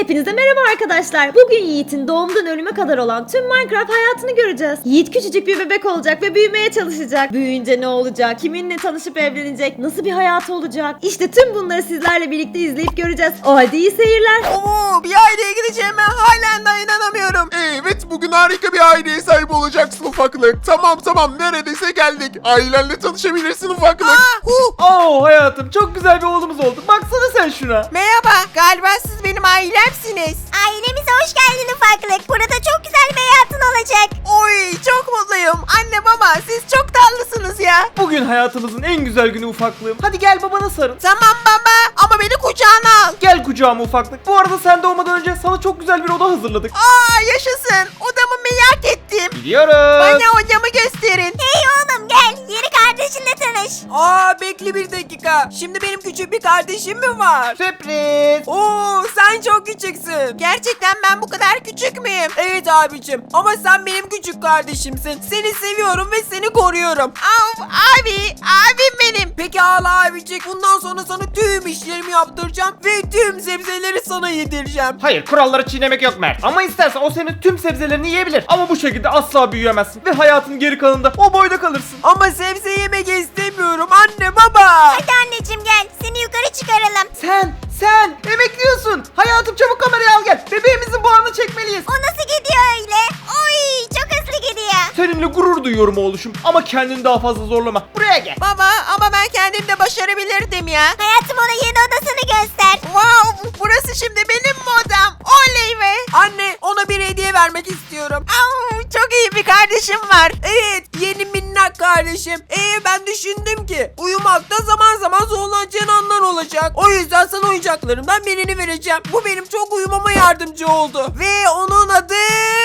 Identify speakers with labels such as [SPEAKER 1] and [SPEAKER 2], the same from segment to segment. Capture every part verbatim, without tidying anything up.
[SPEAKER 1] Hepinize merhaba arkadaşlar. Bugün Yiğit'in doğumdan ölüme kadar olan tüm Minecraft hayatını göreceğiz. Yiğit küçücük bir bebek olacak ve büyümeye çalışacak. Büyüyünce ne olacak? Kiminle tanışıp evlenecek? Nasıl bir hayatı olacak? İşte tüm bunları sizlerle birlikte izleyip göreceğiz. O halde iyi seyirler.
[SPEAKER 2] Oo, bir aileye gideceğime halen daha inanamıyorum.
[SPEAKER 3] Evet, bugün harika bir aileye sahip olacaksın ufaklık. Tamam tamam, neredeyse geldik. Ailenle tanışabilirsin ufaklık.
[SPEAKER 2] Aa, hu.
[SPEAKER 4] Oo hayatım, çok güzel bir oğlumuz oldu. Baksana sen şuna.
[SPEAKER 2] Merhaba, galiba siz benim ailemsiniz.
[SPEAKER 5] Ailemize hoş geldin ufaklık. Burada çok güzel bir hayatın olacak.
[SPEAKER 2] Oy, çok mutluyum. Anne baba, siz çok tatlısınız ya.
[SPEAKER 4] Bugün hayatımızın en güzel günü ufaklığım. Hadi gel babana sarıl.
[SPEAKER 2] Tamam baba, ama beni kucağına al.
[SPEAKER 4] Gel kucağıma ufaklık. Bu arada sen doğmadan önce sana çok güzel bir oda hazırladık.
[SPEAKER 2] Aa, yaşasın. Odamı merak ettim.
[SPEAKER 4] Biliyorum.
[SPEAKER 2] Bana odamı gösterin.
[SPEAKER 5] Hey oğlum gel. Yeni kardeşinle tanış.
[SPEAKER 2] Aa, bekle bir dakika. Şimdi benim küçük bir kardeşim mi var?
[SPEAKER 4] Sürpriz.
[SPEAKER 2] Oo, sen çok küçüksün. Gerçekten ben bu kadar küçük müyüm? Evet abicim, ama sen benim küçük kardeşimsin. Seni seviyorum ve seni koruyorum. Av, abi, abim benim. Peki ağla abicik, bundan sonra sana tüm işlerimi yaptıracağım ve tüm sebzeleri sana yedireceğim.
[SPEAKER 4] Hayır, kuralları çiğnemek yok Mert. Ama istersen o senin tüm sebzelerini yiyebilir. Ama bu şekilde asla büyüyemezsin. Ve hayatın geri kalanında o boyda kalırsın.
[SPEAKER 2] Ama sebze yemek istemiyorum anne baba.
[SPEAKER 5] Hadi anneciğim gel. Seni yukarı çıkaralım.
[SPEAKER 4] Sen, sen emekliyorsun. Hayatım çabuk kamerayı al gel. Bebeğimizin buharını çekmeliyiz.
[SPEAKER 5] O nasıl gidiyor öyle? Oy çok hızlı gidiyor.
[SPEAKER 4] Seninle gurur duyuyorum oğluşum. Ama kendini daha fazla zorlama. Buraya gel.
[SPEAKER 2] Baba, ama ben kendim de başarabilirdim ya.
[SPEAKER 5] Hayatım ona yeni odasını göster.
[SPEAKER 2] Wow, burası şimdi benim mi odam? Oley be. Anne, ona bir hediye vermek istiyorum. Au, çok iyi bir kardeşim var. Evet, yeni minnak kardeşim. Ee, ben düşündüm ki uyumakta zaman zaman zorlanacağın anlar olacak. O yüzden sana oyuncaklarımdan birini vereceğim. Bu benim çok uyumama yardımcı oldu. Ve onun adı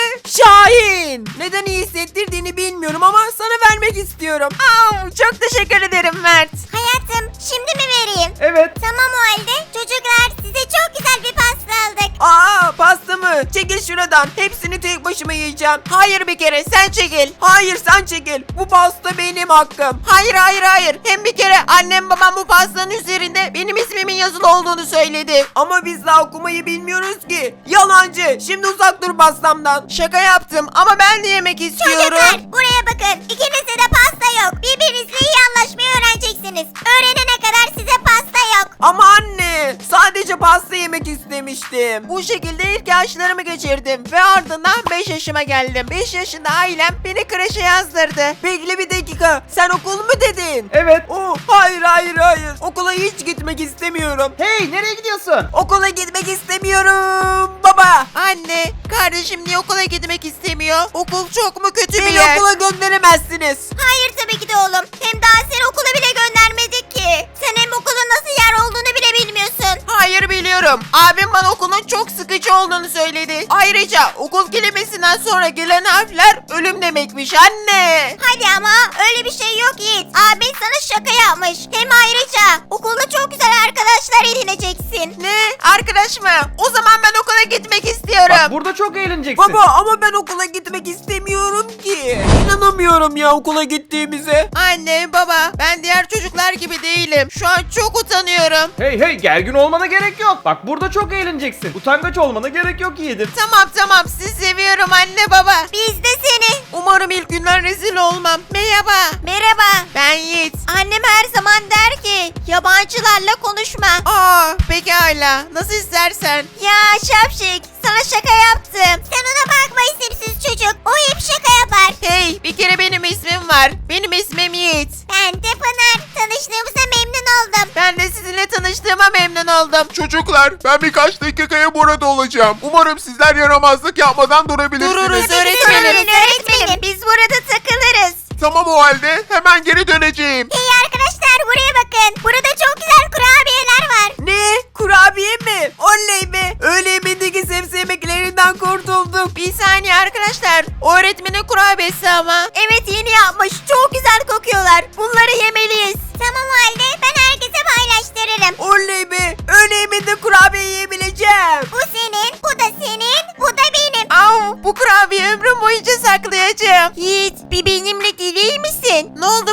[SPEAKER 2] Şahin. Neden iyi hissettirdiğini bilmiyorum ama sana vermek istiyorum. Au, çok teşekkür ederim Mert.
[SPEAKER 5] Hayatım şimdi mi vereyim?
[SPEAKER 4] Evet.
[SPEAKER 5] Tamam o halde. Çocuklar size çok güzel bir pasta aldık.
[SPEAKER 2] Aa, pasta mı? Çekil şuradan. Hepsini tek başıma yiyeceğim. Hayır, bir kere sen çekil. Hayır, sen çekil. Bu pasta benim hakkım. Hayır hayır hayır. Hem bir kere annem babam bu pastanın üzerinde benim ismimin yazılı olduğunu söyledi. Ama biz daha okumayı bilmiyoruz ki. Yalancı. Şimdi uzak dur pastamdan. Şaka yaptım ama ben de yemek istiyorum.
[SPEAKER 5] Çocuklar buraya bakın. İkinizde de pasta yok. Birbirinizle iyi anlaşmayı öğreneceksiniz. Öğrenene kadar size pasta yok.
[SPEAKER 2] Ama anne, sadece pasta yemek istemiştim. Bu şekilde ilk yaşlarımı geçirdim ve ardından beş yaşıma geldim. beş yaşında ailem beni kreşe yazdırdı. Bekle bir dakika, sen okul mu dedin?
[SPEAKER 4] Evet.
[SPEAKER 2] Oh, hayır hayır hayır, okula hiç gitmek istemiyorum.
[SPEAKER 4] Hey, nereye gidiyorsun?
[SPEAKER 2] Okula gitmek istemiyorum baba. Anne, kardeşim niye okula gitmek istemiyor? Okul çok mu kötü bir yer? Beni okula gönderemezsiniz.
[SPEAKER 5] Hayır tabii ki de oğlum. Hem daha seni okula bile göndermedik ki. Sen hem okulun nasıl yer olduğunu bile bilmiyorsun.
[SPEAKER 2] Hayır, biliyorum. Abim bana okulun çok sıkıcı olduğunu söyledi. Ayrıca okul kelimesinden sonra gelen harfler ölüm demekmiş anne.
[SPEAKER 5] Hadi ama öyle bir şey yok Yiğit. Abin sana şaka yapmış. Hem ayrıca okulda çok güzel arkadaşlar edineceksin.
[SPEAKER 2] Ne? Arkadaş mı? O zaman ben okula gitmek istiyorum.
[SPEAKER 4] Bak, burada çok eğleneceksin.
[SPEAKER 2] Baba, ama ben okula gitmek istemiyorum ki. İnanamıyorum ya okula gittiğimize. Anne, baba, ben diğer çocuklar gibi değilim. Şu an çok utanıyorum.
[SPEAKER 4] Hey hey, gergin olmana gerek yok. Bak, burada çok eğleneceksin. Utangaç olmana gerek yok yiğidim.
[SPEAKER 2] Tamam tamam, sizi seviyorum anne baba.
[SPEAKER 5] Biz de seni.
[SPEAKER 2] Umarım ilk günler rezil olmam. Merhaba.
[SPEAKER 5] Merhaba.
[SPEAKER 2] Ben Yiğit.
[SPEAKER 5] Annem her zaman der ki yabancılarla konuşma.
[SPEAKER 2] Aa, pekala. Nasıl istersen.
[SPEAKER 5] Ya Şapşik sana şaka yaptım. Sen ona bakma isimsiz çocuk. O hep şaka yapar.
[SPEAKER 2] Hey, bir kere benim ismim var. Benim ismim Yiğit.
[SPEAKER 5] Ben de Pınar. Tanıştığımıza memnun oldum.
[SPEAKER 2] Ben de sizinle tanıştığıma memnun oldum.
[SPEAKER 3] Çocuklar, ben birkaç dakikaya burada olacağım. Umarım sizler yaramazlık yapmadan durabilirsiniz.
[SPEAKER 2] Dururuz
[SPEAKER 5] Öğretmenim,
[SPEAKER 2] öğretmenim.
[SPEAKER 5] öğretmenim. Biz burada takılırız.
[SPEAKER 3] Tamam, o halde hemen geri döneceğim.
[SPEAKER 5] Hey arkadaşlar buraya bakın. Burada çok güzel kurabiyeler var.
[SPEAKER 2] Ne? Kurabiye mi? Oley be. Öğle yemeğindeki sebze yemeklerinden kurtulduk. Bir saniye arkadaşlar. O öğretmenin kurabiyesi ama.
[SPEAKER 5] Evet yeni yapmış. Çok güzel kokuyorlar. Bunları yemeliyiz. Tamam o halde ben herkese paylaştırırım.
[SPEAKER 2] Oley be. Öğle yemeğinde kurabiye yiyebileceğim.
[SPEAKER 5] Bu senin, bu da senin, bu da benim.
[SPEAKER 2] Au, bu kurabiye ömrüm boyunca saklayacağım.
[SPEAKER 5] Yiğit bir benimle gelir misin?
[SPEAKER 2] Ne oldu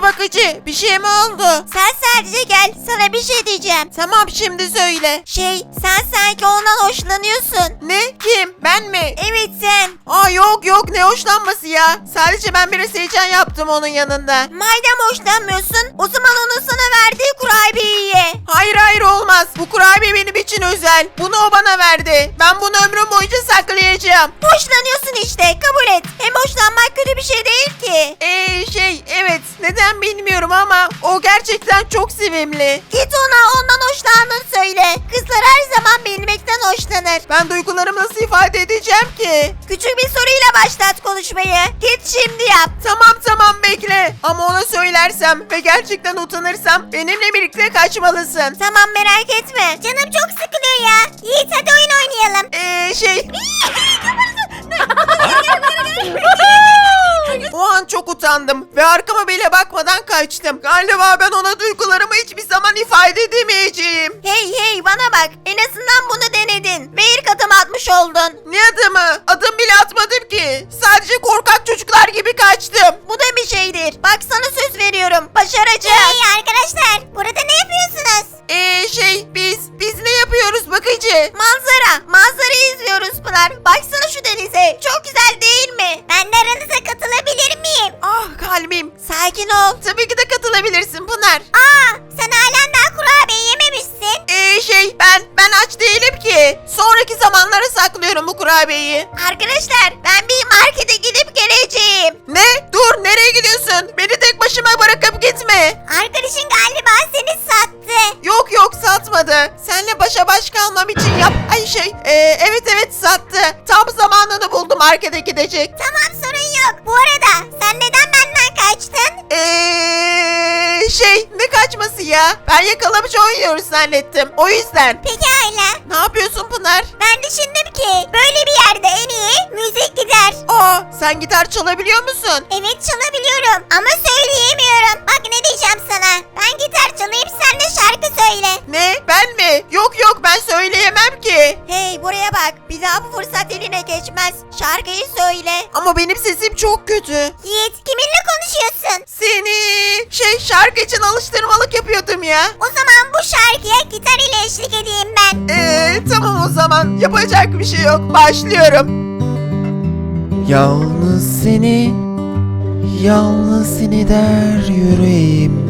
[SPEAKER 2] bakıcı? Bir şey mi oldu?
[SPEAKER 5] Sen sadece gel, sana bir şey diyeceğim.
[SPEAKER 2] Tamam, şimdi söyle.
[SPEAKER 5] Şey, sen sanki ondan hoşlanıyorsun.
[SPEAKER 2] Ne? Kim? Ben mi?
[SPEAKER 5] Evet sen.
[SPEAKER 2] Aa yok yok, ne hoşlanması ya? Sadece ben biraz heyecan yaptım onun yanında.
[SPEAKER 5] Madem hoşlanmıyorsun, o zaman onun sana verdiği kurabiyeyi ye.
[SPEAKER 2] Hayır hayır, olmaz. Bu kurabiye benim için özel. Bunu o bana verdi. Ben bunu ömrüm boyunca saklayacağım.
[SPEAKER 5] Hoşlanıyorsun işte, kabul et. Hem hoşlanmak kötü bir şey değil ki.
[SPEAKER 2] Eee şey evet, neden bilmiyorum ama o gerçekten çok sevimli.
[SPEAKER 5] Git ona ondan hoşlandığını söyle. Kızlar her zaman bilmekten hoşlanır.
[SPEAKER 2] Ben duygularımı nasıl ifade edeceğim ki?
[SPEAKER 5] Küçük bir soruyla başlat konuşmayı. Git şimdi yap.
[SPEAKER 2] Tamam tamam, bekle. Ama ona söylersem ve gerçekten utanırsam benimle birlikte kaçmalısın.
[SPEAKER 5] Tamam, merak etme. Canım çok sıkılıyor ya. Yiğit hadi oyun oynayalım.
[SPEAKER 2] Eee şey... O an çok utandım ve arkama bile bakmadan kaçtım. Galiba ben ona duygularımı hiçbir zaman ifade edemeyeceğim.
[SPEAKER 5] Hey hey bana bak. En azından bunu denedin. Ve ilk adım atmış oldun.
[SPEAKER 2] Ne adımı? Adım bile atmadım ki. Sadece korkak çocuklar gibi kaçtım.
[SPEAKER 5] Bu da bir şeydir. Bak sana söz veriyorum. Başaracağız. Hey arkadaşlar. Burada ne yapıyorsunuz?
[SPEAKER 2] Eee şey biz, biz ne yapıyoruz bakıcı?
[SPEAKER 5] Manzara. Manzarayı izliyoruz Pınar. Baksana şu denize. Çok güzel değil mi? Ben de aranıza katılabilir miyim?
[SPEAKER 2] Ah kalbim.
[SPEAKER 5] Sakin ol.
[SPEAKER 2] Tabii ki de katılabilirsin Pınar.
[SPEAKER 5] Aa, sen halen daha kurabiye yememişsin.
[SPEAKER 2] Eee şey ben, ben aç değilim ki. Sonraki zamanlara saklıyorum bu kurabiyeyi.
[SPEAKER 5] Arkadaşlar ben bir markete gidip geleceğim.
[SPEAKER 2] Ne? Dur, nereye gidiyorsun? Beni tek başıma bırakıp gitme.
[SPEAKER 5] Arkadaşın galiba seni sattı.
[SPEAKER 2] Yok yok, satmadı. Seninle başa baş kalmam için yap. Ay şey ee, evet evet sattı. Tam zamanını buldu markete gidecek.
[SPEAKER 5] Tamam, sorun yok. Bu arada sen neden benden kaçtın?
[SPEAKER 2] Eee şey ne kaçması ya? Ben yakalamaca oynuyoruz zannettim. O yüzden.
[SPEAKER 5] Pekala.
[SPEAKER 2] Ne yapıyorsun Pınar?
[SPEAKER 5] Ben düşündüm ki böyle bir yerde en iyi müzik gider.
[SPEAKER 2] Aa, sen gitar çalabiliyor musun?
[SPEAKER 5] Evet, çalabiliyorum ama söyleyemiyorum. Bak ne diyeceğim sana. Ben gitar çalayım, sen de şarkı söyle.
[SPEAKER 2] Ne? Ben mi? Yok yok, ben söyleyemem ki.
[SPEAKER 5] Hey buraya bak. Bir daha bu fırsat eline geçmez. Şarkıyı söyle.
[SPEAKER 2] Ama benim sesim çok kötü.
[SPEAKER 5] Yiğit, kiminle konuşuyorsun?
[SPEAKER 2] Seni şey şarkı için alıştırmalık yapıyordum ya.
[SPEAKER 5] O zaman bu şarkıya gitar ile eşlik edeyim ben.
[SPEAKER 2] Eee tamam o zaman, yapacak bir şey yok, başlıyorum. Yalnız seni, yalnız seni der yüreğim.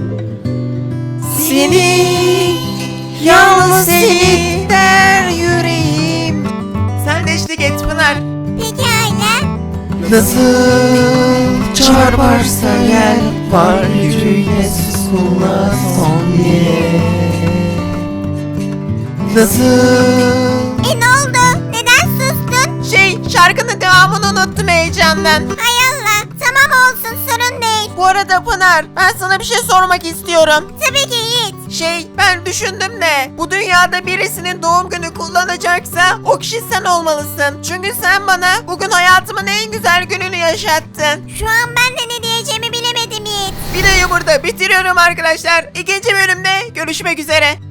[SPEAKER 2] Seni, yalnız seni der yüreğim. Sen de eşlik et Pınar.
[SPEAKER 5] Pekala.
[SPEAKER 2] Nasıl çarparsa gel, var yüreğine suskunla son diye. Nasıl?
[SPEAKER 5] E ne oldu? Neden sustun?
[SPEAKER 2] Şey, şarkının devamını unuttum heyecandan.
[SPEAKER 5] Hay Allah. Tamam olsun, sorun değil.
[SPEAKER 2] Bu arada Pınar, ben sana bir şey sormak istiyorum.
[SPEAKER 5] Tabii ki Yiğit.
[SPEAKER 2] Şey, ben düşündüm de bu dünyada birisinin doğum günü kullanacaksa o kişi sen olmalısın. Çünkü sen bana bugün hayatımın en güzel gününü yaşattın.
[SPEAKER 5] Şu an ben de ne diyeceğimi bilemedim Yiğit.
[SPEAKER 2] Videoyu burada bitiriyorum arkadaşlar. İkinci bölümde görüşmek üzere.